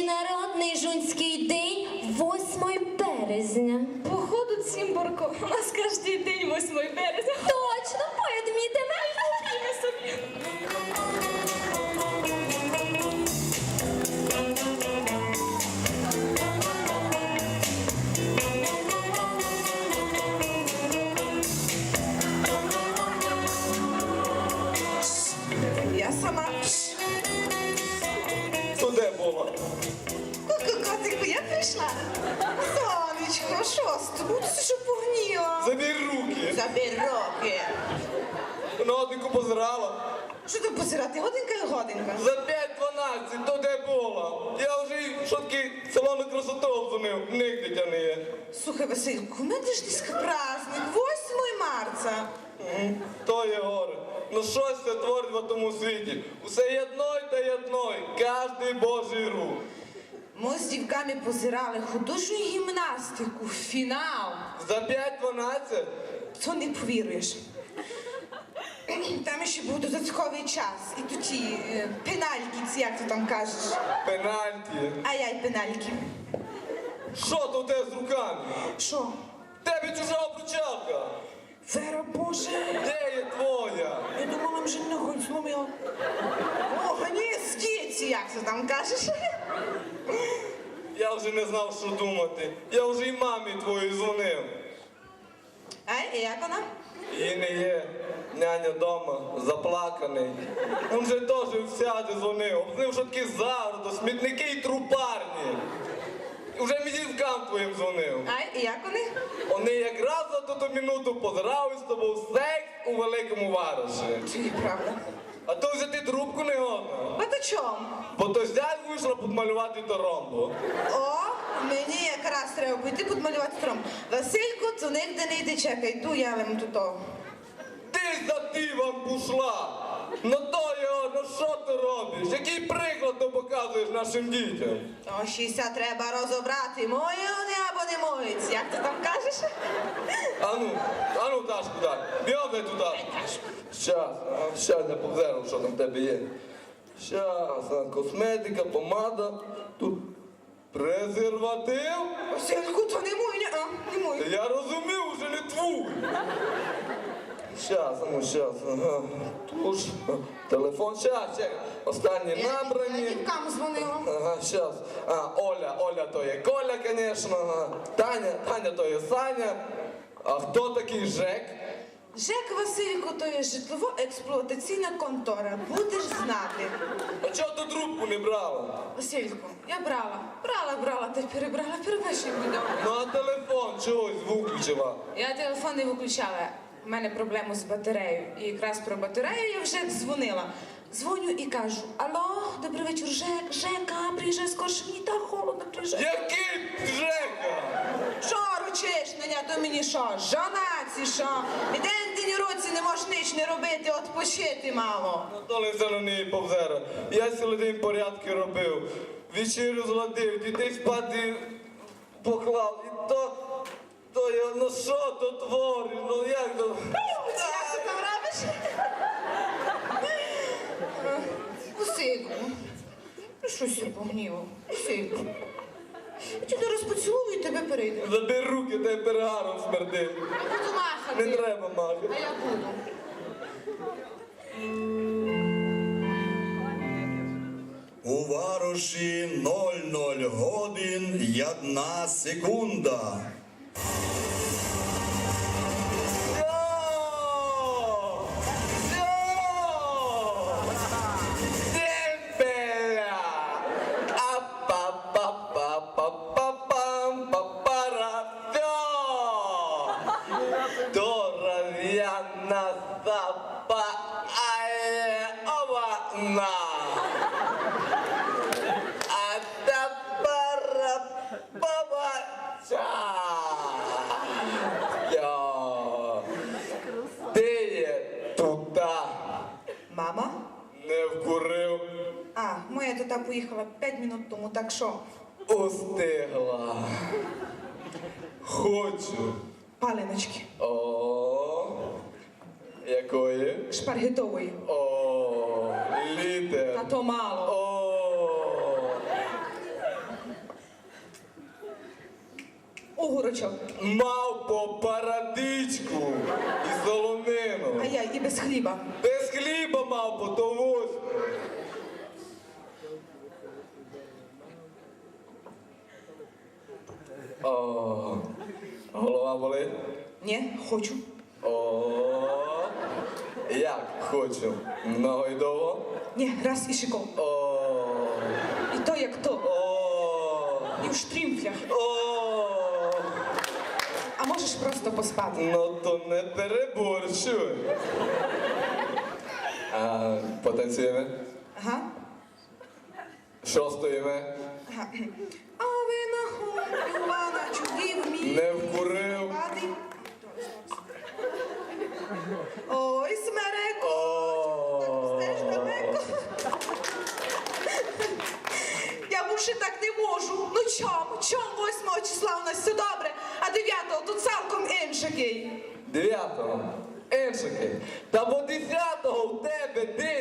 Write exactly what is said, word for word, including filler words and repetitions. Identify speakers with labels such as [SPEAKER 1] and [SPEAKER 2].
[SPEAKER 1] Міжнародний жунський день восьмого березня.
[SPEAKER 2] Походу, Цимборко, у нас кожен день восьмого березня.
[SPEAKER 1] Точно, поїдмітиме.
[SPEAKER 2] Купімо собі.
[SPEAKER 3] Я сама.
[SPEAKER 4] То де була?
[SPEAKER 3] Ку-ку, котику, я прийшла. Сонечко, що з тобою? Ти що погніла?
[SPEAKER 4] Забір руки.
[SPEAKER 3] Забір руки.
[SPEAKER 4] На годинку позирала.
[SPEAKER 3] Що ти позирати? Годинка і годинка.
[SPEAKER 4] За п'ять дванадцять, то де була? Я вже й шотки салону красоту обдзвонив. Нігде тя не є.
[SPEAKER 3] Слухай, Васильку, у мене ж десь праздник, восьмого марта.
[SPEAKER 4] Мгм. То є горе. Ну щось це творить в тому світі. Усе єдной та єдной. Кожний божий рух.
[SPEAKER 3] Ми з дівками позирали художню гімнастику, фінал.
[SPEAKER 4] За п'ять дванадцять?
[SPEAKER 3] То не повіруєш. Там ще був додатковий час. І тут ті е, пенальки, ці, як ти там кажеш.
[SPEAKER 4] Пенальті.
[SPEAKER 3] Ай-яй, пенальки.
[SPEAKER 4] Що то в тебе з руками?
[SPEAKER 3] Що?
[SPEAKER 4] Тебе чужа обручалка.
[SPEAKER 3] Вера Боже.
[SPEAKER 4] Де є твоя?
[SPEAKER 3] Я думала, вже ногу зломила. О, ні, скіці, як ти там кажеш.
[SPEAKER 4] Я вже не знав, що думати. Я вже й мамі твоїй дзвонив.
[SPEAKER 3] Ай, і як вона?
[SPEAKER 4] Її не є. Няня дома, заплаканий. Він же теж всяде дзвонив. Обзнив, що такі загороди, смітники і трупарні. Уже мізівкам твоїм дзвонив.
[SPEAKER 3] Ай, і як вони?
[SPEAKER 4] Вони якраз за ту минуту позирали з тобою секс у великому вариші.
[SPEAKER 3] Чи правда?
[SPEAKER 4] А то взяти трубку не годно.
[SPEAKER 3] А то чом?
[SPEAKER 4] Бо то зять вийшла підмалювати торомбу.
[SPEAKER 3] О, мені якраз треба піти підмалювати тром. Васильку, то нігде не йди, чекай, йду я лим тут.
[SPEAKER 4] Ти за дивом пішла. Ну то його, ну що ти робиш? Який приклад ти показуєш нашим дітям?
[SPEAKER 3] О, шістдесят треба розібрати, мої вони або не мої. Як ти там кажеш?
[SPEAKER 4] Ану, ану, Дашку, дай. Бігом дай туди. Щас, а, щас я повзеру, що там в тебе є. Щас, а, косметика, помада, тут презерватив.
[SPEAKER 3] Васильку, то не мой, не, а, не мой.
[SPEAKER 4] Я розумів, вже не твій. Щас, ну щас, ага. Туш, телефон, щас, чекай. Останні
[SPEAKER 3] Я
[SPEAKER 4] набрані.
[SPEAKER 3] дівкам дзвонила.
[SPEAKER 4] Ага, щас. А, Оля, Оля то є Коля, конечно. Ага. Таня, Таня то є Саня. А хто такий Жек?
[SPEAKER 3] ЖЕК Васильку, то є житлово-експлуатаційна контора. Будеш знати.
[SPEAKER 4] А чого ти трубку не брала?
[SPEAKER 3] Васильку, я брала, брала, брала, та перебрала, перевищив відео.
[SPEAKER 4] Ну а телефон чогось звук включила?
[SPEAKER 3] Я телефон не виключала. У мене проблема з батареєю. І якраз про батарею я вже дзвонила. Дзвоню і кажу: алло, добрий вечір, Жек, Жека, приїжджай скорше, мені так холодно, приїжджай.
[SPEAKER 4] Який Жека?
[SPEAKER 3] Що ручиш мене, то мені що, жонаці, що? Іден день році не можеш ніч не робити, відпочити мало.
[SPEAKER 4] Ну то не все на неї повзера. Я цілий день порядки робив. Вечерю зладив, дітей спати поклав. І то, то я, ну що то твориш, ну як то?
[SPEAKER 3] Як ти там робиш? Васильку, ну щось я погнівав. Васильку, я тебе зараз поцілую і тебе перейду.
[SPEAKER 4] Забери руки, дай перегаром смердить.
[SPEAKER 3] Я буду махати.
[SPEAKER 4] Не треба махати.
[SPEAKER 3] А я буду.
[SPEAKER 5] У Вароші нуль нуль годин й одна секунда.
[SPEAKER 3] Мама?
[SPEAKER 4] Не вкурив.
[SPEAKER 3] А, моя тата поїхала п'ять минут тому, так що?
[SPEAKER 4] Устигла. Хочу.
[SPEAKER 3] Паленочки.
[SPEAKER 4] О, якої?
[SPEAKER 3] Шпаргетової.
[SPEAKER 4] О, літер.
[SPEAKER 3] Та то мало.
[SPEAKER 4] О,
[SPEAKER 3] огурочок.
[SPEAKER 4] Мавпо, парадичку і солонину.
[SPEAKER 3] А я і без хліба.
[SPEAKER 4] Без хліба, мавпо, то восьме. О, голова болить?
[SPEAKER 3] Ні, хочу.
[SPEAKER 4] О, як хочу. Много і довго?
[SPEAKER 3] Ні, раз і шиком.
[SPEAKER 4] О,
[SPEAKER 3] І то як то.
[SPEAKER 4] о,
[SPEAKER 3] І в штрімфлях.
[SPEAKER 4] о.
[SPEAKER 3] А можеш просто поспати.
[SPEAKER 4] Ну то не переборщуй. А, потанцюємо?
[SPEAKER 3] Ага.
[SPEAKER 4] Що стоїмо?
[SPEAKER 3] Ага. А ви на ху, Івана, чудів мій.
[SPEAKER 4] Не вкурив.
[SPEAKER 3] Падай. Ой, смереко.
[SPEAKER 4] О.
[SPEAKER 3] Стеж далеко. Я більше так не можу. Ну чом? Чом восьмого числа у нас все добре, а дев'ятого тут цілком іншакий.
[SPEAKER 4] Дев'ятого. Іншики. Та бо десятого у тебе день